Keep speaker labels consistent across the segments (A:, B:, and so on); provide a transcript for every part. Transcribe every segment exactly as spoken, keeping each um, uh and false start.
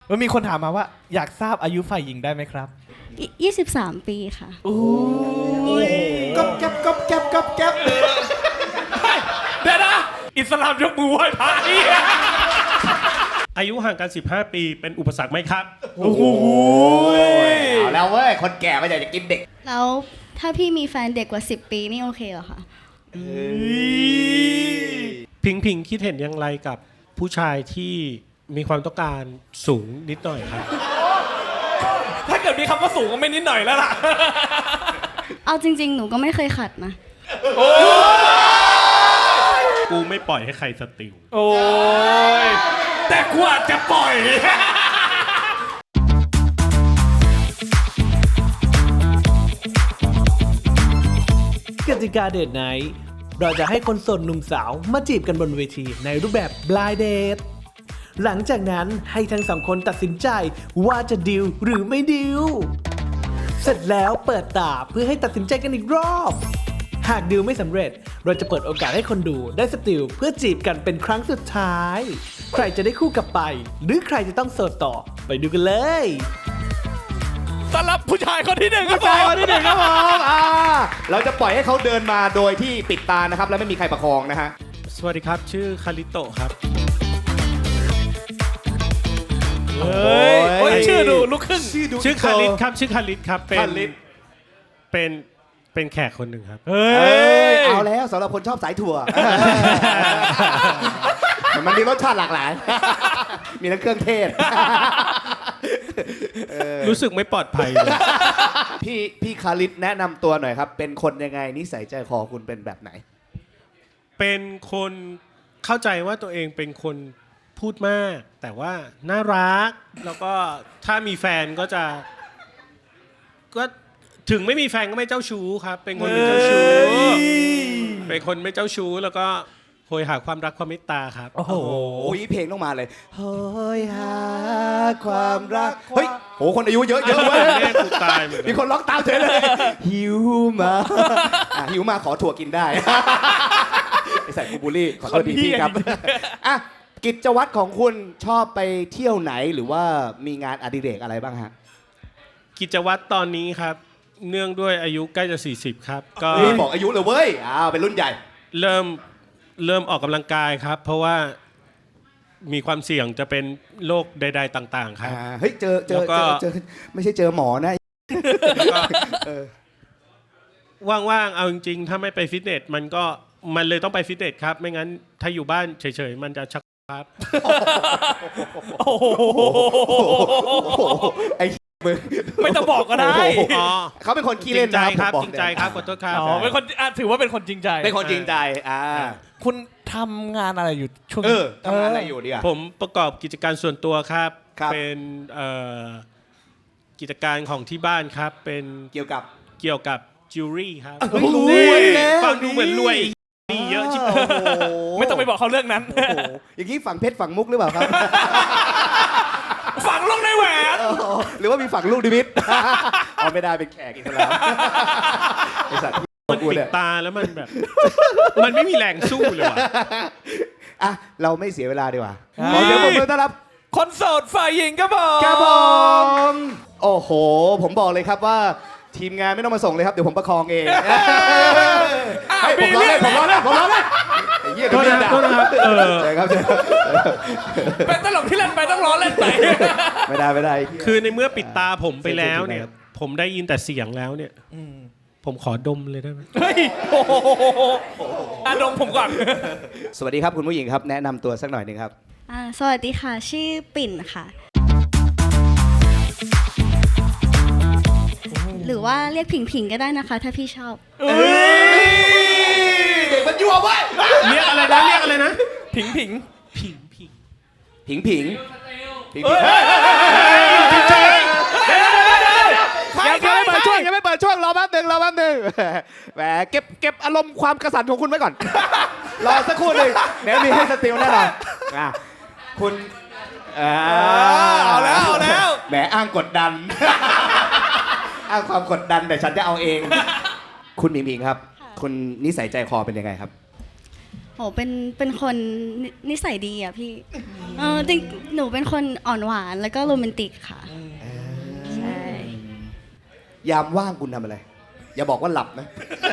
A: มันมีคนถามมาว่าอยากทราบอายุฝ่ายหญิงได้ไหมครับ
B: ยี่สิบสามปีค่ะ
A: โอ้
C: ยก๊อบแก๊บก๊อบแก๊บก๊อบแก๊บ
A: เดี๋ยวนะอิสลามยกมือไหว้พระ
D: อายุห่างกันสิบห้าปีเป็นอุปสรรคไหมครับ
A: โอ้โห
C: เอาแล้วเว้ยคนแก่ไม่อยากจะกินเด็ก
B: แล้วถ้าพี่มีแฟนเด็กกว่าสิบปีนี่โอเคเหรอคะ
D: พิงพิงคิดเห็นอย่างไรกับผู้ชายที่มีความต้องการสูงนิดหน่อยครับ
A: ถ้าเกิดมีคำว่าสูงก็ไม่นิดหน่อยแล้วล่ะ
B: เอาจริงๆหนูก็ไม่เคยขัดนะ
D: กูไม่ปล่อยให้ใครสติล
A: โอ้ยแต่กูอาจจะปล่อย
E: กติกาเดทไนท์เราจะให้คนโสดหนุ่มสาวมาจีบกันบนเวทีในรูปแบบ blind date หลังจากนั้นให้ทั้งสองคนตัดสินใจว่าจะดิวหรือไม่ดิวเสร็จแล้วเปิดตาเพื่อให้ตัดสินใจกันอีกรอบหากดิวไม่สำเร็จเราจะเปิดโอกาสให้คนดูได้สติลเพื่อจีบกันเป็นครั้งสุดท้ายใครจะได้คู่กลับไปหรือใครจะต้องโสดต่อไปดูกันเลย
A: ต้อนรับผู้ชายคนที่หนึ่งครับ
C: ผู้ชายคนที่หนึ่งครับผมอ่าเราจะปล่อยให้เขาเดินมาโดยที่ปิดตานะครับและไม่มีใครประคองนะฮะ
D: สวัสดีครับชื่อคาริโตะครับ
A: เฮ้ยชื่อดูลุกขึ้น
D: ชื่อคาริตครับชื่อคาริตครับเป็นเป็นเป็นแขกคนหนึ่งครับ
A: เฮ้
C: ยเอาแล้วสำหรับคนชอบสายถั่วมันมีรสชาติหลากหลายมีทั้งเครื่องเทศ
D: รู้สึกไม่ปลอดภัยเลย
C: พี่พี่คาริตแนะนำตัวหน่อยครับเป็นคนยังไงนิสัยใจคอคุณเป็นแบบไหน
D: เป็นคนเข้าใจว่าตัวเองเป็นคนพูดมากแต่ว่าน่ารักแล้วก็ถ้ามีแฟนก็จะก็ถึงไม่มีแฟนก็ไม่เจ้าชู้ครับเป็นคนไม่เจ้าชู้เป็นคนไม่เจ้าชู้แล้วก็โหยหาความรักความเมตตาครับ
C: โอ้โหเพลงต้องมาเลยโหยหาความรักเฮ้ยโหคนอายุเยอะเยอะเว้ยมีคนร้องตามเฉยเลยหิวมาหิวมาขอถั่วกินได้ไอ้ใส่กูบูลลี่ขอโทษทีพี่ครับอ่ะกิจวัตรของคุณชอบไปเที่ยวไหนหรือว่ามีงานอดิเรกอะไรบ้างฮะ
D: กิจวัตรตอนนี้ครับเนื่องด้วยอายุใกล้จะสี่สิบครับ
C: ก็บอกอายุเลยเว้ยอ้าวเป็นรุ่นใหญ่
D: เริ่มเริ่มออกกำลังกายครับเพราะว่ามีความเสี่ยงจะเป็นโรคใดๆต่างๆครับ
C: เฮ้ยเจอเจอเจอไม่ใช่เจอหมอนะ
D: ว่างๆเอาจริงๆถ้าไม่ไปฟิตเนสมันก็มันเลยต้องไปฟิตเนสครับไม่งั้นถ้าอยู่บ้านเฉยๆมันจะชักครับ
C: ไอ้
A: ไม่ต้องบอกก็ได้
C: เขาเป็นคนขี้เล่น
D: ครับจริงใจครับขอโทษครับ
A: อ๋อเป็นคนถือว่าเป็นคนจริงใจ
C: เป็นคนจริงใจอ่า
A: คุณทำงานอะไรอยู่ช่วง
C: เออทำงานอะไรอยู่ดีอ่ะ
D: ผมประกอบกิจการส่วนตัวครับเป็นกิจการของที่บ้านครับเป็น
C: เกี่ยวกับ
D: เกี่ยวกับจิวเวลรี่ครับ
C: รวยแล้ว
D: ฟังดูเหมือนรวยนี่เยอะชิบหาย
A: ไม่ต้องไปบอกเขาเรื่องนั้น
C: อย่างนี้ฝั่งเพชรฝั่งมุกหรือเปล่าครับ
A: ฝังลูกในแหวน
C: หรือว่ามีฝังลูกดิมิตเอาไม่ได้เป็นแขกอิสลามไอสัตว์
D: มันปิดตาแล้วมันแบบมันไม่มีแรงสู้เลยว่ะ
C: อ่ะเราไม่เสียเวลาดีกว่าขอเสียงปรบมือต้อนรับ
A: คนโสดฝ่ายหญิงครับผม
C: ครับผมโอ้โหผมบอกเลยครับว่าทีมงานไม่ต้องมาส่งเลยครับเดี๋ยวผมประคองเองผมรอเล่นผมรอเล่นผมรอเล่นไอ้เหี้ยโทษนะโทษนะครับเออใช่ครับ
A: เป็นตลกที่เล่นไปต้องล้อเล่นไป
C: ไม่ได้ไม่ได้
D: คือในเมื่อปิดตาผมไปแล้วเนี่ยผมได้ยินแต่เสียงแล้วเนี่ยผมขอดมเลยได้ไหม
A: เฮ้ยอ่ะดมผมก่อน
C: สวัสดีครับคุณผู้หญิงครับแนะนำตัวสักหน่อยนึงครับ
B: สวัสดีค่ะชื่อปิ่นค่ะหรือว่าเรียกผิงผิงก็ได้นะคะถ้าพี่ชอบ
C: เด็กมันยั่วไว้
D: เรียกอะไรนะเรียกอะไรนะ
A: ผิงผิง
D: ผิงผิง
C: ผิงผิงผิงยังไม่เปิดช่วงยังไม่เปิดช่วงรอแป๊บนึงรอแป๊บนึงแหมเก็บเก็บอารมณ์ความกระสันของคุณไว้ก่อนรอสักครู่หนึ่งเดี๋ยวมีให้สติลแน่นอนคุณ
A: เอาแล้วเอาแล้ว
C: แหมอ้างกดดันอ้างความกดดันแต่ฉันจะเอาเองคุณหมิงหมิงครับคุณนิสัยใจคอเป็นยังไงครับ
B: โหเป็นเป็นคนนินิสัยดีอ่ะพี่เออจริงหนูเป็นคนอ่อนหวานแล้วก็โรแมนติกค่ะใช่
C: ยามว่างคุณทำอะไร อย่าบอกว่าหลับนะ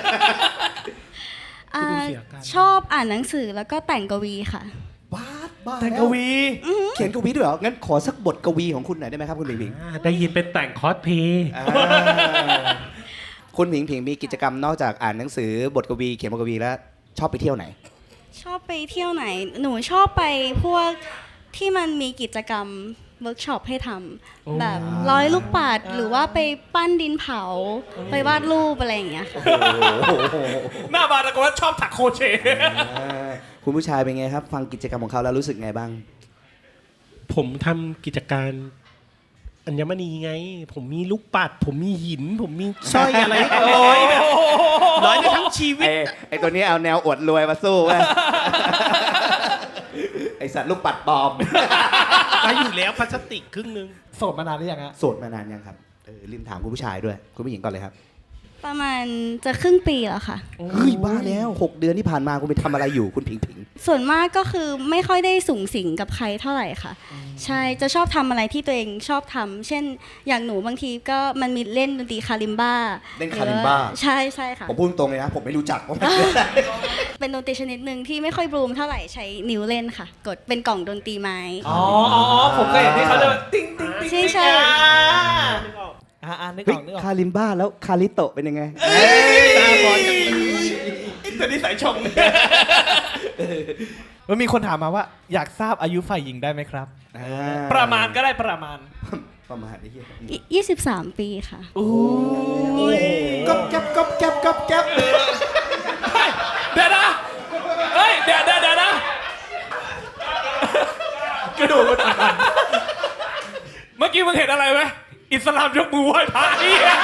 B: อ่า
D: ดูเสียอาการ
B: ชอบอ่านหนังสือแล้วก็แต่งกวีค่ะ
C: บ้าบ้า
A: แต่ง
C: ล้ว
A: กวี
C: เขียนกวีด้วยเหรอ งั้นขอสักบทกวีของคุณหน่อยได้ไหมครับคุณผิงผิง
D: อ่าได้ยินเป็นแต่งคอสเพลย์
C: อ่าคุณผิงผิงมีกิจกรรมนอกจากอ่านหนังสือบทกวีเขียนบทกวีแล้วชอบไปเที่ยวไหน
B: ชอบไปเที่ยวไหน หนูชอบไปพวกที่มันมีกิจกรรมเวิร์กช็อปให้ทำแบบร้อยลูกปัดหรือว่าไปปั้นดินเผา ไปวาดรูปอะไรอย่างเงี้ยค่ะ
A: หน้าบานตะโกนว่าชอบถักโครเชต์
C: อ่าคุณผู้ชายเป็นไงครับ ฟังกิจกรรมของเขาแล้วรู้สึกไงบ้าง
D: ผมทำกิจการอัญมณีไง ผมมีลูกปัด ผมมีหิน ผมมีสร้อยอะไรร้อยแบบร้อยได้ทั้งชีวิต
C: ไอ้ไอ้ตัวนี้เอาแนวอวดรวยมาสู้เว้ย ไอสัตว์ลูกปัดปลอม
D: มาอยู่แล้วพลาสติกครึ่งนึง
E: โสดมานานหรือยังฮะ
C: โสดมานานยังครับเออลืมถามคุณผู้ชายด้วย คุณผู้หญิงก่อนเลยครับ
B: ประมาณจะครึ่งปีแล้วค่ะ
C: เฮ้ยบ้าแล้วหกเดือนที่ผ่านมาคุณไปทำอะไรอยู่คุณผิงผิง
B: ส่วนมากก็คือไม่ค่อยได้สูงสิงกับใครเท่าไหร่ค่ะ ใช่จะชอบทำอะไรที่ตัวเองชอบทำเช่นอย่างหนูบางทีก็มันมีเล่นดนตรีคาลิมบ้า
C: เล่นคาลิมบ้า
B: ใช่ใช่ค่ะ
C: ผมพูดตรงเลยนะ ผมไม่รู้จักว่ามันคืออะไร
B: เป็นดนตรีชนิดหนึ่งที่ไม่ค่อยบลูมเท่าไหร่ใช้นิ้วเล่นค่ะ กดเป็นกล่องดนตรีไม้
A: อ๋ออ๋อผมก็เห็นที่เขาจะติ้งติ้งติ้ง
B: ใช่ใช่
E: อ่าอ่านึกอ
C: เฮ้ย
E: อกนึกออก
C: คาลิมบ้าแล้วคาริโตะเป็นยังไง
A: ตาบอดจังเลยตัวนี้สายชง
E: มันมีคนถามมาว่าอยากทราบอายุฝ่ายหญิงได้ไหมครับ
A: ประมาณก็ได้ประมาณ
C: ประมาณนี้
B: ยี่สิบสามปีค่ะ
C: ก๊อบแก๊บก๊อบแก๊บก๊อบแก๊บ
A: เดี๋ยวนะ เฮ้ย เดี๋ยวเดี๋ยวเดี๋ยวนะ กระดูกมันอ่อนๆเมื่อกี้มึงเห็นอะไรไหมอิสลามยกมือไหว้พระเหี้ย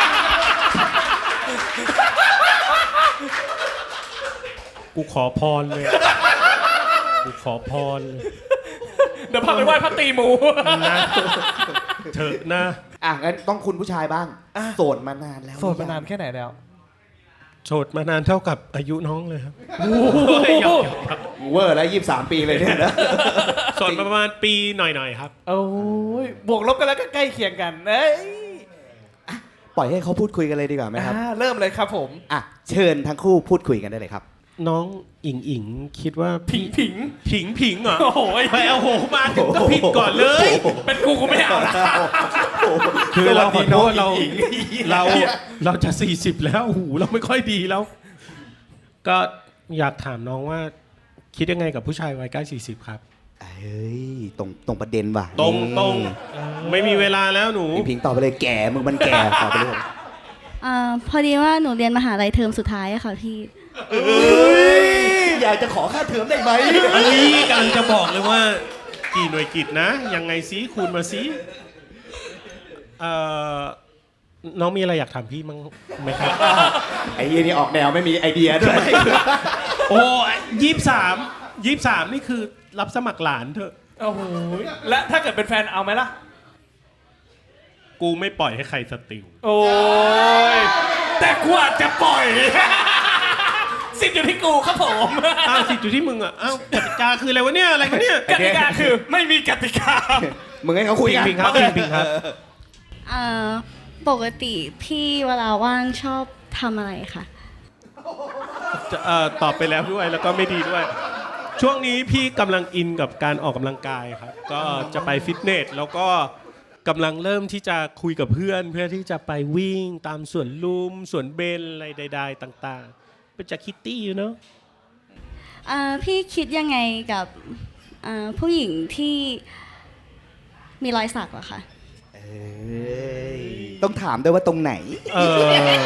D: กูขอพรเลย กูขอพรเลย
A: เดี๋ยวพาไปไหว้พระตีหมู
D: นะเถอะนะ
C: อ่ะงั้นต้องคุณผู้ชายบ้าง โสดมานานแล้ว
E: โสดมานานแค่ไหนแล้ว
D: โสดมานานเท่ากับอายุน้องเลยครับ
C: เวอร์แล้วยี่สิบสามปีเลยเนี่ยนะ
D: โสดมาประมาณปีหน่อยๆครับ
E: โอ้ยบวกลบกันแล้วก็ใกล้เคียงกันเอ้ย
C: ปล่อยให้เขาพูดคุยกันเลยดีกว่าไหมครับ
E: อ่าเริ่มเลยครับผม
C: อ่ะเชิญทั้งคู่พูดคุยกันได้เลยครับ
D: น้องอิงอิงคิดว่า
A: ผิงผิง
D: ผิงผิงเหรอ
A: โอ้โห
D: ไปเอาโหมาถึงก็ผิดก่อนเลย
A: เป็นกูกูไม่เอาละ
D: คือเราขอโทษเรา
C: สวัสดีน้องอิง
D: เราเราจะสี่สิบแล้วหูเราไม่ค่อยดีแล้ว ก็อยากถามน้องว่า คิดยังไงกับผู้ชายวัยใกล้สี่สิบครับ
C: เอ้ยตรงตรงประเด็นว่ะ
D: ตรงตรงไม่มีเวลาแล้วหนู
C: พิงพิงตอบไปเลยแก่มึงมันแก่ตอบไปเลย
B: อ่าพอดีว่าหนูเรียนมหาลัยเทอมสุดท้ายอะค่ะพี่
C: อยากจะขอค่าเทอมได้ไหม
D: อันนี้กำลังจะบอกเลยว่า กี่หน่วยกิจนะ ยังไงซิคูณมาซิเอ่อน้องมีอะไรอยากถามพี่มั้งไหมครับ
C: ไอ้เหี้ยนี่ออกแนวไม่มีไอเดียด้วย
D: โอ้ยี่สามยี่สามนี่คือรับสมัครหลานเถอะ
A: โอ้โหและถ้าเกิดเป็นแฟนเอาไหมล่ะ
D: กูไม่ปล่อยให้ใครสติล
A: โอ้ย แต่กูอาจจะปล่อย สิทธิ์อยู่ที่กูครับผม
D: อ้าวสิอยู่ที่มึงอ่ะอ้าวกติกาคืออะไรวะเนี่ยอะไรวะเนี่ย
A: กติกาคือไม่มีกติกา
C: มึงให้เขาคุยกัน
D: พิงๆครับพิงๆครับ
B: อ่าปกติพี่เวลาว่างชอบทำอะไรคะ
D: จะเอ่อตอบไปแล้วด้วยแล้วก็ไม่ดีด้วย ช่วงนี้พี่กำลังอินกับการออกกำลังกายครับ ก็จะไปฟิตเนสแล้วก็กำลังเริ่มที่จะคุยกับเพื่อน เพื่อที่จะไปวิ่งตามสวนลุมสวนเบญอะไรใด ๆ ต่างๆ เป็นจากคิตตี้อยู่เนาะ
B: อ่าพี่คิดยังไงกับอ่าผู้หญิงที่มีรอยสักเหรอคะ
C: เอ้ยต้องถามด้วยว่าตรงไหน
D: เออ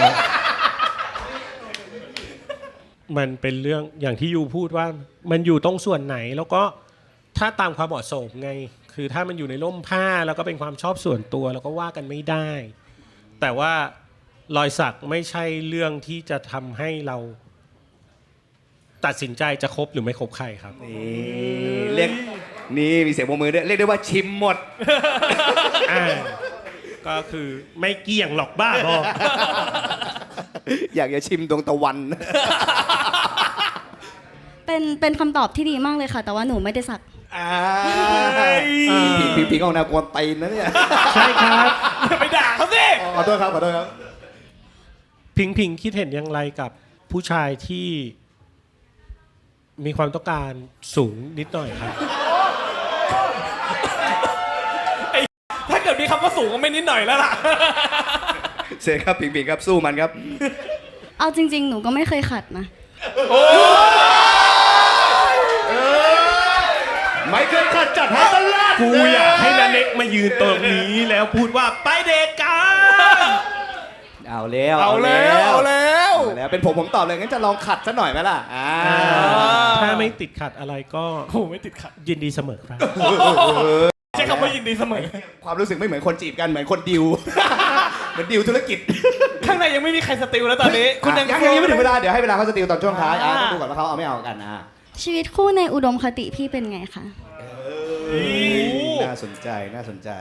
D: มันเป็นเรื่องอย่างที่ยูพูดว่ามันอยู่ตรงส่วนไหนแล้วก็ถ้าตามความเหมาะสมไง คือถ้ามันอยู่ในร่มผ้าแล้วก็เป็นความชอบส่วนตัวแล้วก็ว่ากันไม่ได้ แต่ว่ารอยสักไม่ใช่เรื่องที่จะทำให้เรา ตัดสินใจจะคบหรือไม่คบใครครับ
C: นี่เรียกนี่มีเสียงปรบมือด้วยเรียกได้ว่าชิมหมด
D: อ่าก็คือไม่เกี่ยงหรอกบ้าบอ
C: อยากจะชิมดวงตะวัน
B: เป็นเป็นเป็นคำตอบที่ดีมากเลยค่ะ แต่ว่าหนูไม่ได้สัก
C: อ่าผิงผิงผิงเอาแนวกวนตีนนะเนี่ย
D: ใช่ครับ
A: อย่าไปด่าเขาสิ
C: ขอโทษครับขอโทษครับ
D: พิงพิงคิดเห็นอย่างไรกับผู้ชายที่มีความต้องการสูงนิดหน่อยครับ
A: ถ้าเกิดมีคำว่าสูงก็ไม่นิดหน่อยแล้วล่ะ
C: เซครับผิงผิงครับสู้มันครับ
B: เอาจริง ๆ หนูก็ไม่เคยขัดนะ
C: ไม่เคยขัดจัดให้ตลอด
D: กูอยากให้นาเน็กมายืนตรงนี้แล้วพูดว่าไปเดทกัน
C: เอาแล้ว
A: เอาแล้วเอาแล้ว
C: เอาแล้วเป็นผมผมตอบเลยงั้นจะลองขัดซะหน่อยไหมล่ะอ่า
D: ถ้าไม่ติดขัดอะไรก็
A: โอ้ไม่ติดขัด
D: ยินดีเสมอครับ
A: ใช้คำว่ายินดีเสมอ
C: ความรู้สึกไม่เหมือนคนจีบกันเหมือนคนดิว เหมือนดิวธุรกิจ
A: ข้างในยังไม่มีใครสติลแล้วตอนนี้ คุณ
C: ยั
A: ยัง ง
C: ยังยังไม่ถึงเวลาเดี๋ยวให้เวลาเขาสติลตอนช่วงท้ายอ่ะ
A: อ่า
C: ต้องดูก่อนว่าเขาเอาไม่เอากันอ่ะ
B: ชีวิตคู่ในอุดมคติพี่เป็นไงคะ
C: น่าสนใจน่าสนใจ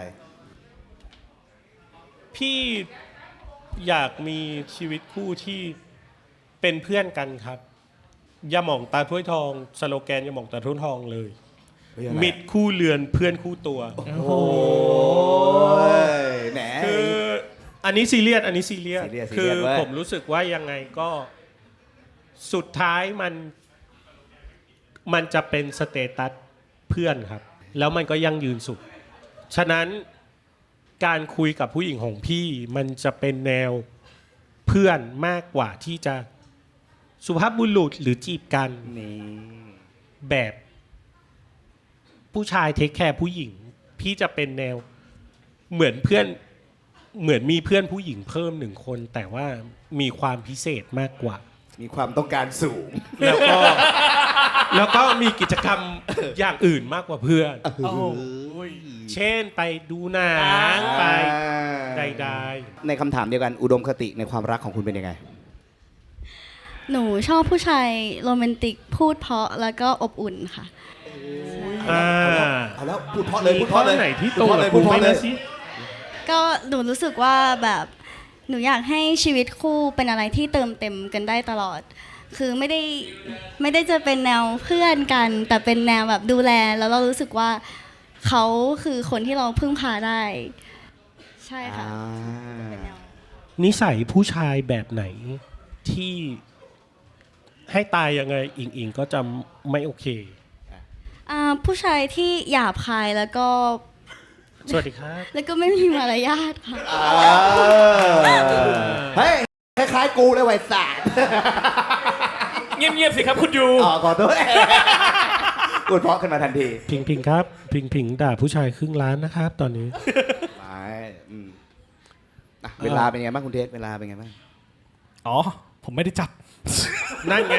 D: พี่อยากมีชีวิตคู่ที่เป็นเพื่อนกันครับอย่าหมองตาถ้วยทองสโลแกนอย่าหมองตาถ้วยทองเลย
C: เฮ้ยอะไร
D: มิตรคู่เรือนเพื่อนคู่ตัว
C: โอ้ยแหม
D: คืออันนี้ซีเรียสอันนี้ซีเรียส
C: ซีเรียสซี
D: คื
C: เรี
D: อย
C: สเว้ย
D: ผมรู้สึกว่ายังไงก็สุดท้ายมันมันจะเป็นสเตตัสเพื่อนครับ แล้วมันก็ยั่งยืนสุด ฉะนั้นการคุยกับผู้หญิงของพี่มันจะเป็นแนวเพื่อนมากกว่าที่จะสุภาพบุรุษหรือจีบกัน
C: นี่
D: แบบผู้ชายเทคแคร์ผู้หญิง พี่จะเป็นแนวเหมือนเพื่อนเหมือนมีเพื่อนผู้หญิงเพิ่มหนึ่งคน แต่ว่ามีความพิเศษมากกว่า
C: มีความต้องการสูง
D: แล้วก็ แล้วก็มีกิจกรรมอย่างอื่นมากกว่าเพื่อน
A: โอ้โห
D: เช่นไปดูหนังไปใด
C: ในคำถามเดียวกันอุดมคติในความรักของคุณเป็นยังไง
B: หนูชอบผู้ชายโรแมนติกพูดเพราะแล้วก็อบอุ่นค่ะ
D: ๆอ่า
C: เอาแล้วพูดเพราะเลยพูดเพราะเลย
D: มีข้อไหนที่
C: พูดเพราะเลยพูดเพราะเลย
D: สิ
B: ก็หนูรู้สึกว่าแบบหนูอยากให้ชีวิตคู่เป็นอะไรที่เติมเต็มกันได้ตลอด คือไม่ได้ไม่ได้จะเป็นแนวเพื่อนกัน แต่เป็นแนวแบบดูแลแล้วเรารู้สึกว่าเขาคือคนที่เราพึ่งพาได้ ใช่ค่ะ
C: อ่า
D: นิสัยผู้ชายแบบไหนที่ให้ตายยังไงอิงอิงก็จะไม่โอเค
B: อ่าผู้ชายที่หยาบคายแล้วก็
D: สวัสดีครับ
B: แล้วก็ไม่มีมารยาทค่ะ
C: อ่าเฮ้ยคล้ายๆกูเลยไวสาร
A: เงียบๆสิครับคุณยู
C: อ๋อขอโทษ พูดเพราะขึ้นมาทันที
D: พิงพิงครับ พิงพิงด่าผู้ชายครึ่งล้านนะครับ ตอนนี้
C: ไม่อืมอ่ะเวลาเป็นไงบ้างคุณเทสเวลาเป็นไงบ้าง
A: อ๋อ ผมไม่ได้จับ
D: นั่นไง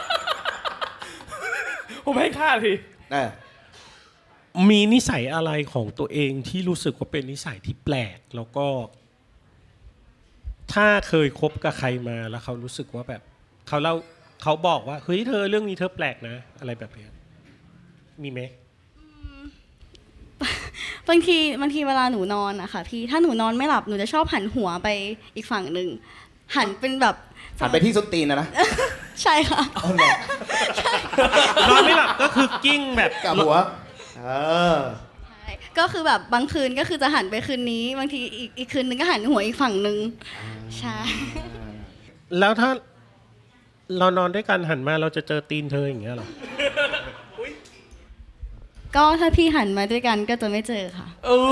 A: ผมให้ค่าที
C: เออ
D: มีนิสัยอะไรของตัวเองที่รู้สึกว่าเป็นนิสัยที่แปลก แล้วก็ ถ้าเคยคบกับใครมาแล้วเขารู้สึกว่าแบบเขาเล่าเขาบอกว่าเฮ้ยเธอเรื่องนี้เธอแปลกนะ อะไรแบบเนี้ยมีไหม
B: บางทีบางทีเวลาหนูนอนอะค่ะพี่ถ้าหนูนอนไม่หลับหนูจะชอบหันหัวไปอีกฝั่งหนึ่งหันเป็นแบบ
C: หันไปที่ส้นตีนนะนะ
B: ใช่ค่ะ
C: เอาเหรอน
D: อนไม่หลับก็คือกิ้งแบบ
C: กับหัวเออ
B: ใช่ก็คือแบบบางคืนก็คือจะหันไปคืนนี้ บางทีอีกอีกคืนนึงก็หันหัวอีกฝั่งหนึ่งใช่
D: แล้วถ้าเรานอนด้วยกันหันมาเราจะเจอตีนเธออย่างเงี้ยเหรอ
B: ก็ถ้าพี่หันมาด้วยกันก็จะไม่เจอค่ะ
A: เอ้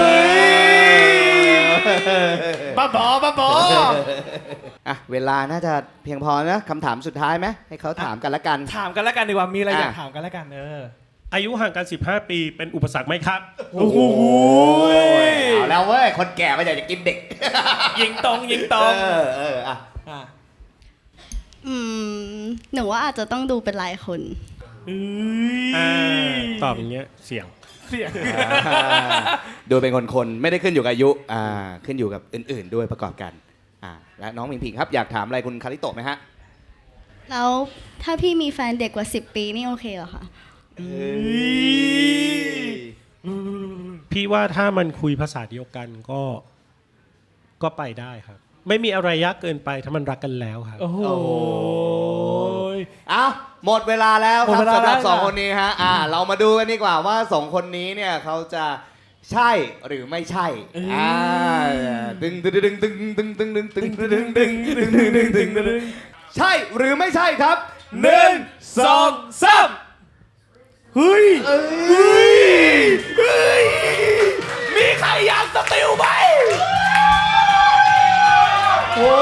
A: ยบ้าบอบ้าบอ
C: อ่ะเวลาน่าจะเพียงพอนะคำถามสุดท้ายไหมให้เขาถามกันละกัน
A: ถามกันแล้วกันดีกว่า มีอะไร
C: อ่ะ
A: อยากถามกันแล้วกันเออ
D: อายุห่างกันสิบห้าปีเป็นอุปสรรคไหมครับ
A: โอ้โห
C: เอาแล้วเว้ยคนแก่ไม่อยากจะกินเด็ก
A: ยิงตรงยิงตรง
C: เออเอออ่ะ
A: อ่ะ
B: อืมหนูว่าอาจจะต้องดูเป็นรายคน
A: เอ้
D: อ่าย ตอบอย่างเงี้ยเสียง
A: เสียง
C: ดูเป็นคนคนๆไม่ได้ขึ้นอยู่กับอายุอ่าขึ้นอยู่กับอื่น ๆ ด้วยประกอบกันอ่าและน้องผิงผิงครับอยากถามอะไรคุณคาริโตะไหมฮะ
B: แล้วถ้าพี่มีแฟนเด็กกว่าสิบปีนี่โอเคเหรอคะ
D: พี่ว่าถ้ามันคุยภาษาเดียวกันก็ก็ไปได้ครับ ไม่มีอะไรยากเกินไปถ้ามันรักกันแล้วครับ
A: โอ้โห
C: เอาหมดเวลาแล้วค
A: หม
C: รับ
A: ดเวลา
C: สำหรับ
A: แล้ว
C: สอง
A: ค่ะ
C: คนนี้ฮะอ่าเรามาดูกันดีกว่าว่าสองคนนี้เนี่ยเขาจะใช่หรือไม่ใช่อ่าดึงดึงดึงดึงดึงดึงดึงดึงดึงดึงดึงดึงดึงดึงดึงใช่หรือไม่ใช่ครับหนึ่งสองสาม
A: เฮ้ย
C: เอ้ยเฮ้ย
A: มีใครอยากสติลไหม
C: โอ้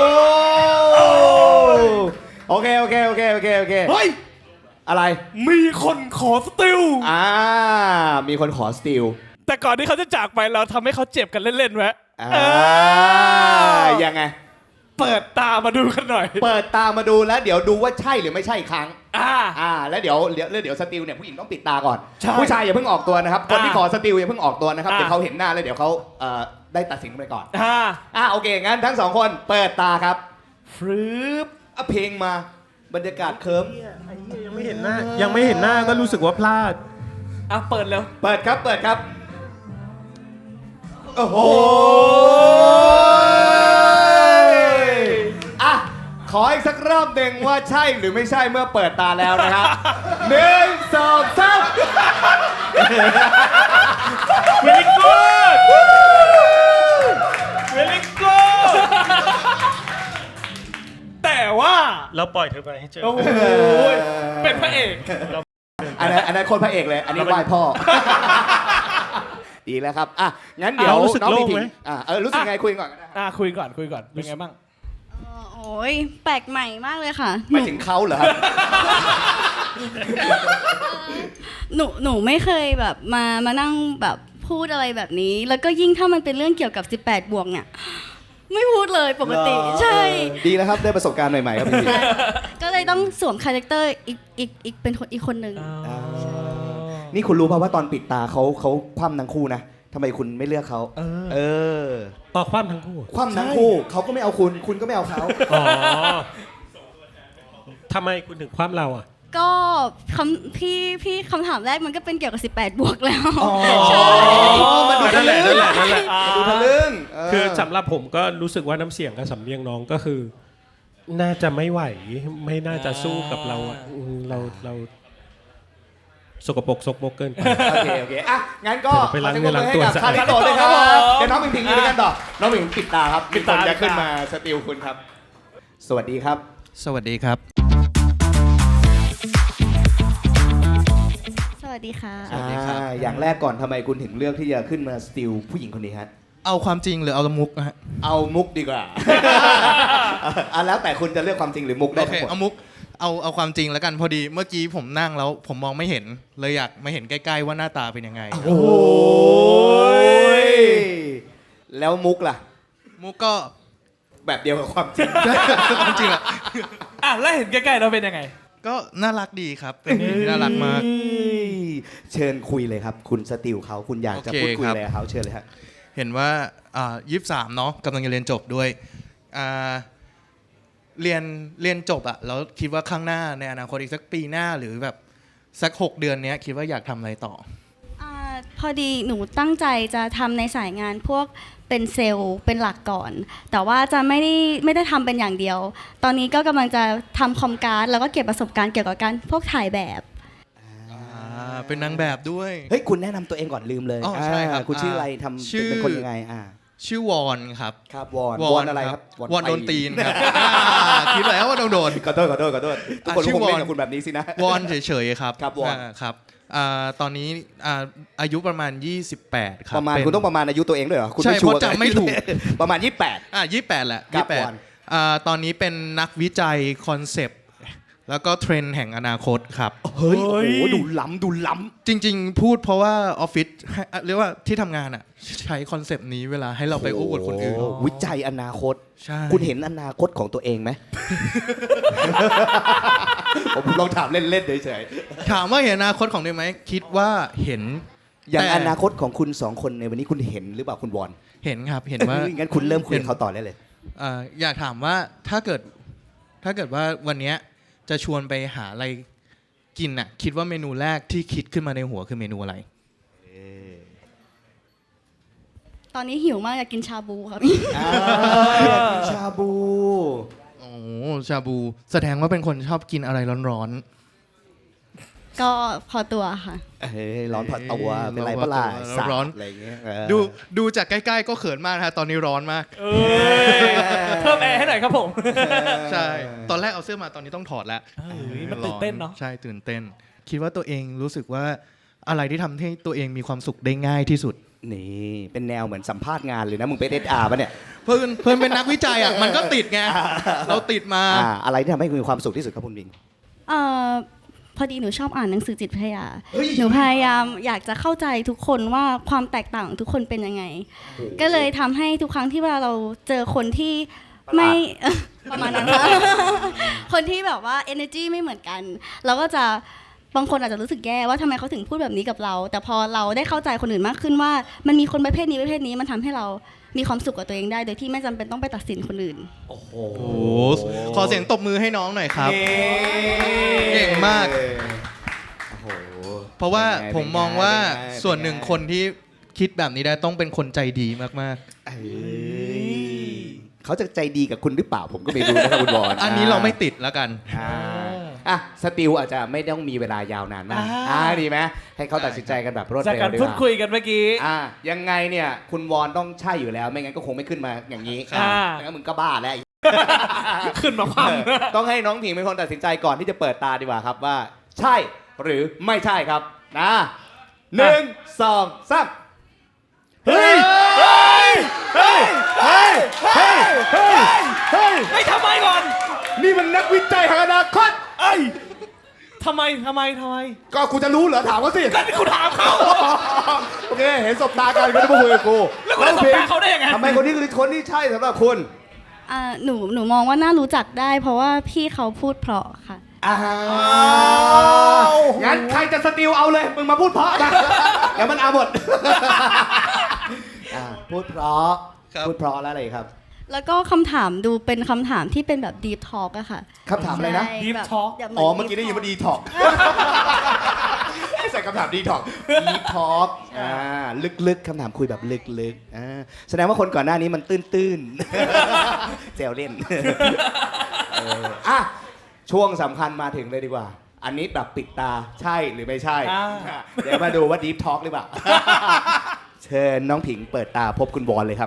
C: โอเคโอเคโอเคโอเคโอเค
A: เฮ้ย
C: อะไร
A: มีคนขอสติล
C: อ่ามีคนขอสติล
A: แต่ก่อนที่เขาจะจากไปเราทำให้เขาเจ็บกันเล่นๆไว้
C: อ่า
A: เออ
C: ยังไง
A: เปิดตามาดูกันหน่อย
C: เปิดตามาดูแล้วเดี๋ยวดูว่าใช่หรือไม่ใช่อีกครั้ง
A: อ่า
C: อ่า แล้วเดี๋ยวเดี๋ยวเดี๋ยวสติลเนี่ยผู้หญิงต้องปิดตาก่อน
A: ใช่
C: ผู้ชายอย่าเพิ่งออกตัวนะครับ คนที่
A: อ่า
C: ขอสติลอย่าเพิ่งออกตัวนะครับ
A: อ่า
C: เดี๋ยวเขาเห็นหน้าแล้วเดี๋ยวเขาเอ่อได้ตัดสินไปก่อน
A: อ่า
C: อ่าโอเค งั้นทั้งสองคนเปิดตาครับ
A: ฟรึบ
C: อ่ะเพลงมาบรรยากาศเคิร์ม
D: ยังไม่เห็นหน้า ยังไม่เห็นหน้าก็รู้สึกว่าพลาด
A: อ่ะเปิดแล้ว
C: เปิดครับเปิดครับโอ้โหอ่ะขออีกสักรอบหนึ่งว่าใช่หรือไม่ใช่เมื่อเปิดตาแล้วนะครับ หนึ่งสองสาม
A: very good very good แต่ว่า
D: เราปล่อยเธอไปให้เจอ
A: โอ้โหเป็นพระเอก
C: อันนั้นอันนั้นคนพระเอกเลย อันนี้ไหว้พ่อ ดีแล้วครับอ่ะงั้นเดี๋ยว
D: อ่ะรู้สึก
C: น้อง
D: โล่
C: มี
D: ง
C: ถิ
D: ไหม
C: งอ่ะเออรู้สึกไงคุยก่อนก็ได้
A: อ่ะคุยก่อนคุยก่อนเป็นไงบ้าง
B: โอ้ยแปลกใหม่มากเลยค่ะ
C: หมายถึงเขาเหรอครับ
B: หนูหนูไม่เคยแบบมามานั่งแบบพูดอะไรแบบนี้ แล้วก็ยิ่งถ้ามันเป็นเรื่องเกี่ยวกับ สิบแปด บวกเนี่ย ไม่พูดเลยปกติ
C: เหรอ
B: ใช่
C: ดีแล้วครับได้ประสบการณ์ใหม่ๆครับพี่
B: ก็เลยต้องสวมคาแรคเตอร์อีกอีกอีกเป็นคนอีกคนหนึ่ง
C: อ่านี่คุณรู้ป่าวว่าตอนปิดตาเขาเขาคว่ำทั้งคู่นะทำไมคุณไม่เลือกเขา
A: เออ
C: เออ
D: ต่อความทั้งคู่
C: คว่ำทั้งคู่เขาก็ไม่เอาคุณ คุณก็ไม่เอาเขา
D: อ๋อทำไมคุณถึงความเราอ่ะ
B: ก็คำพี่พี่คำถามแรกมันก็เป็นเกี่ยวกับ สิบแปด บวกแล้ว
C: อ๋อ
B: ใช่
C: มันดู
D: นั่นแหละ
C: ทะลึ่
D: นั่
C: ง
D: นแหละนั่นแหละ
C: มันดูทะลึ่งเ
D: คือสำหรับผมก็รู้สึกว่าน้ำเสียงกับสำเนียงน้องก็คือ น่าจะไม่ไหว ไม่น่าจะสู้กับเราอ่ะอืมเราเราสกปรกสกปรกเกินไป
C: โอเคโอเคอ่ะงั้นก็
D: ไปล้าง
C: ขอ
D: เนื้อล้างตัว
C: ให้กับ
D: ซะ
C: คาริโตะด้วยครับ
A: ครับผม
C: เดี๋ยวน้องผิงผิงอยู่ด้วยกันต่อ น้องผิงปิดตาครับ
A: ปิดตา
C: มีคนจะ
A: ปิดตา
C: ขึ้นมาสติลคุณครับ สวัสดีครับ
F: สวัสดีครับ
B: สวัสดีค่ะ
F: สวัสดีครับ
C: อ่าอย่างแรกก่อนทำไมคุณถึงเลือกที่จะขึ้นมาสติลผู้หญิงคนนี้ฮะ
F: เอาความจริงหรือเอาละมุกนะฮะ
C: เอามุกดีกว่า อ่ะแล้วแต่คุณจะเลือกความจริงหรือมุกได้
F: โอเค
C: ทั้งหมด
F: เอามุกเอาเอาความจริงแล้วกันพอดีเมื่อกี้ผมนั่งแล้วผมมองไม่เห็นเลยอยากมาเห็นใกล้ๆว่าหน้าตาเป็นยังไง
C: โอ้ยแล้วมุกล่ะ
F: มุกก็
C: แบบเดียวกับความจริง
F: ความจริงอะ
A: อ่ะแล้วเห็นใกล้ๆเราเป็นยังไง
F: ก็น่ารักดีครับเป็นผู้หญิงที่น่ารักมาก
C: เชิญคุยเลยครับ คุณสติลเขาคุณอยากจะ
F: โอเค
C: พูดคุย
F: ครับ
C: อะไรกับเขาเชิญเลยครับ
F: เห็นว่าอ่ายี่สิบสามเนาะกำลังจะเรียนจบด้วยอ่าเรียนเรียนจบอะแล้วคิดว่าข้างหน้าในอนาคตอีกสักปีหน้าหรือแบบสักหกเดือนเนี้ยคิดว่าอยากทำอะไรต่อ
B: อาพอดีหนูตั้งใจจะทำในสายงานพวกเป็นเซลล์เป็นหลักก่อน แต่ว่าจะไม่ได้ไม่ได้ทำเป็นอย่างเดียว ตอนนี้ก็กำลังจะทำคอมการ์ดแล้วก็เก็บประสบการณ์เกี่ยวกับการพวกถ่ายแบบ
F: อ่าเป็นนางแบบด้วย
C: เฮ้ยคุณแนะนำตัวเองก่อนลืมเลย
F: อ๋อใช่ครับ
C: อ่าคุณชื่ออะไรทำ
F: ชื่อ
C: เป็นคนยังไงอ่า
F: ชื่อวอนครับ
C: ครับวอนวอนอะไรครับ
F: วอน
C: ไฟ
F: โดนตีนครับอ่าคิดแล้วว่าต้องโดน
C: ขอโทษขอโทษขอโทษทุกคน
F: อ่ะชื่
C: ค
F: อง
C: เล่น
F: วอน
C: กับคุณแบบนี้สินะ
F: วอนเฉยๆครับ
C: ครับวอน
F: าครับอ่าตอนนี้อ่าอายุประมาณ ยี่สิบแปด ครับ
C: ประมาณ
F: เป็น
C: คุณต้องประมาณอายุตัวเองด้วยเหรอคุณ
F: ใช่
C: ไม่ชัวร์
F: เพราะจำไม่ถูก
C: ประมาณยี่สิบแปด
F: อ่ายี่สิบแปดแหละ
C: ครับ
F: ยี่สิบแปด
C: วอน
F: อ่าตอนนี้เป็นนักวิจัยคอนเซปต์แล้วก็เทรนด์แห่งอนาคตครับ
C: เฮ้ย
A: เฮ้
C: โอ้
A: ย
C: โหดูล้ำดูล้
F: จริงๆ พูดเพราะว่าออฟฟิศให้เรียกว่าที่ทำงานอ่ะใช้คอนเซปต์นี้เวลาให้เรา
C: ำ
F: ไปอู้อวดคนอื่น
C: โโหวิจัยอนาคต
F: ใช่
C: คุณเห็นอนาคตของตัวเองไหม ผมลองถามเล่นๆเฉย
F: ถามว่าเห็นอนาคตของตัวเองไหมคิดว่าเห็น
C: ๆอย่าง
F: แต่
C: อนาคตของคุณสองคนในวันนี้คุณเห็นหรือเปล่าคุณวอน
F: เห็นครับเห็นว่า
C: งั้นคุณเริ่มคุยกับเขาต่อได้เลย
F: เอ่ออยากถามว่าถ้าเกิดถ้าเกิดว่าวันเนี้ยจะชวนไปหาอะไรกินน่ะคิดว่าเมนูแรกที่คิดขึ้นมาในหัวคือเมนูอะไร
B: ตอนนี้หิวมากอยากกินชาบูครับ
C: อ่าชาบู
F: โอ้ชาบู แสดงว่าเป็นคนชอบกินอะไรร้อน
B: ก็พอตัวค่ะ
C: เอ้ยร้อนพอตัว
F: เอ้ย
C: เป็นไร
F: ร้อนพอ
C: เปะล่า
F: ตัว
C: สัตว์
F: ร้อน
C: อะไรอย่างเงี้ยเออ
F: ดูดูจากใกล้ๆก็เขินมากนะฮะตอนนี้ร้อนมาก
A: เอ้ยเพิ่มแอร์ให้หน่อยครับผม
F: ใช่ ตอนแรกเอาเสื้อมาตอนนี้ต้องถอดแล้ว
A: เอ้ยมันตื่นเต้นเนอะ
F: ใช่ตื่นเต้น คิดว่าตัวเองรู้สึกว่าอะไรที่ทำให้ตัวเองมีความสุขได้ง่ายที่สุด
C: นี่เป็นแนวเหมือนสัมภาษณ์งานเลยนะมึงเป็นเอสอาร์ป่ะเนี่ย
F: เพื่อนเพื่อนเป็นนักวิจัยอ่ะมันก็ติดไงเราติดมา
C: อ่าอะไรที่ทำให้คุณมีความสุขที่สุดครับคุณบิง
B: เอ่อพอดีหนูชอบอ่านหนังสือจิตวิทยา หนูพยายามอยากจะเข้าใจทุกคนว่าความแตกต่างของทุกคนเป็นยังไง ก็เลยทำให้ทุกครั้งที่เวลาเราเจอคนที่ไม่ ประมาณนั้นค่ะ คนที่แบบว่า energy ไม่เหมือนกัน เราก็จะบางคนอาจจะรู้สึกแย่ว่าทำไมเขาถึงพูดแบบนี้กับเรา แต่พอเราได้เข้าใจคนอื่นมากขึ้นว่า มันมีคนประเภทนี้ประเภทนี้มันทำให้เรามีความสุขกับตัวเองได้ โดยที่ไม่จำเป็นต้องไปตัดสินคนอื่น
C: โอ้โห
F: โอ้โหขอเสียงตบมือให้น้องหน่อยครับ เก่งมาก
C: โอ้โห
F: เพราะว่า
C: เป็นไง
F: ผมมองว่า
C: เป็นไง
F: ส่วนหนึ่งคนที่คิดแบบนี้ได้ต้องเป็นคนใจดีมาก
C: เอ้ยเขาจะใจดีกับคุณหรือเปล่าผมก็ไม่รู้นะครับคุณบอล
F: ๆ อันนี้เราไม่ติดแล้วกัน
C: อ่าอ่ะสติลอาจจะไม่ต้องมีเวลายาวนานมาก
A: อ่า
C: อ่าดีไหมให้เขาตัดสินใจกันแบบรวด
A: จาก
C: เร็ว
A: การ
C: ดีก
A: พูด
C: ว่า
A: คุยกันเมื่อกี้
C: อ่ายังไงเนี่ยคุณวอนต้องใช่อยู่แล้ว ไม่งั้นก็คงไม่ขึ้นมาอย่างนี้
A: อ่า
C: ไม่งั้นมึงก็บ้าแล้ว
A: ขึ้นมาความ
C: ต้องให้น้องผิงเป็นคนตัดสินใจก่อนที่จะเปิดตาดีกว่าครับว่า ใช่หรือไม่ใช่ครับนะหนึ่งสองสามเฮ้ยเฮ้ยเฮ้ยเฮ้ยเฮ้ยเฮ้ยเฮ้ย
A: ไม่ทำไมก่อน
C: นี่มันนักวิจัยแห่งอนาคตเอ้ย
A: ทำไมทำไมทำไม
C: ก็กูจะรู้เหรอถามเขาสิ
A: ก็ที่คุณถามเขา
C: โอเคเห็นสบตากันก็ได้มาคุยกับกู
A: แล้วคุณจะสบตาเขาได้ยังไง
C: ทำไมคนนี้คือคนที่ใช่สำหรับคุณ
B: อ่าหนูหนูมองว่าน่ารู้จักได้ เพราะว่าพี่เขาพูดเพราะค่ะ
C: อ้าวงั้นใครจะสติลเอาเลย มึงมาพูดเพราะมาเดี๋ยวมันเอาหมดอ่าพูดเพราะ
F: ครับ
C: พูดเพราะแล้วอะไรครับ
B: แล้วก็คำถามดูเป็นคำถามที่เป็นแบบ deep talk อะค่ะ
C: คำถามอะไรนะ
B: ใช่
A: Deep
B: แบบ
A: talk
B: ย่าห
C: อ๋อ เมื่อกี้ได้ยินว่าดีท็อกใส่คำถามดีท็อกดีท็อกอ่าลึกๆคำถามคุยแบบลึกๆอ่าแสดงว่าคนก่อนหน้านี้มันตื้นๆแซวเล่นเอออ่ะช่วงสำคัญมาถึงเลยดีกว่า อันนี้แบบปิดตาใช่หรือไม่ใช่
A: อ่า
C: เดี๋ยวมาดูว่าดีฟทอล์กหรือเปล่า เชิญน้องผิงเปิดตาพบคุณบอลเลยครับ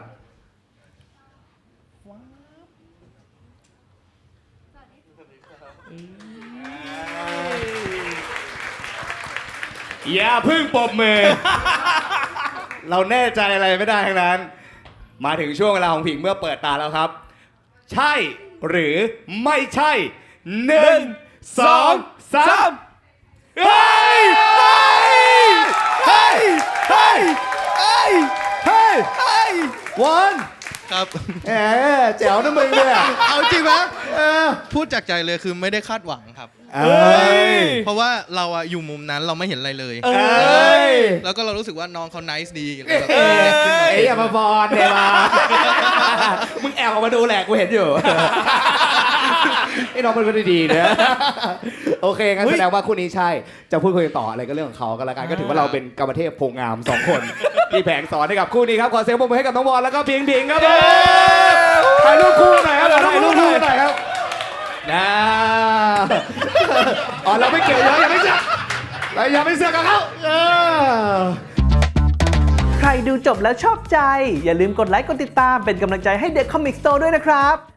C: อย่าพึ่งปรบมือ เราแน่ใจอะไรไม่ได้ทั้งนั้น มาถึงช่วงเวลาของผิงเมื่อเปิดตาแล้วครับ ใช่หรือไม่ใช่หนึ่งสองสามเฮ้ยเฮ้ยเฮ้ยเฮ้ยเฮ้ยเฮ้ยวัน
F: ครับ
C: แหมแจ๋วนะมึงเนี่ย
F: เอาจริงไหม
C: เออ
F: พูดจากใจเลยคือไม่ได้คาดหวังครับ
C: เอ้ย
F: เพราะว่าเราอะอยู่มุมนั้นเราไม่เห็นอะไรเลย
C: เอ้ย
F: แล้วก็เรารู้สึกว่าน้องเขา nice ดีเลยแบบ
C: เอ้
F: เออขึ้นมาย
C: ไอ้อภพรเดมามึงแอบออกมาดูแหละกูเห็นอยู่ ไอ้น้องเป็นคนดีๆนะโอเคงั้นแสดงว่าคู่นี้ใช่ จะพูดคุยกันต่ออะไรก็เรื่องของเขากันละกันก็ถือว่าเราเป็นกรรมเทพโพงามสองคน ที่แผงสอนให้กับคู่นี้ครับขอเสียงปรบมือให้กับน้องบอลแล้วก็พิงพิงครับผมถ่ายรูปคู่หน่อยครับถ่ายรูปคู่หน่อยครับนะอ๋อเราไม่เกี่ยวยังไม่เสือกเรายังไม่เสือกกับเขาเออ
E: ใครดูจบแล้วชอบใจ อย่าลืมกดไลค์กดติดตามเป็นกำลังใจให้เด็กคอมิกสโตร์ด้วยนะครับ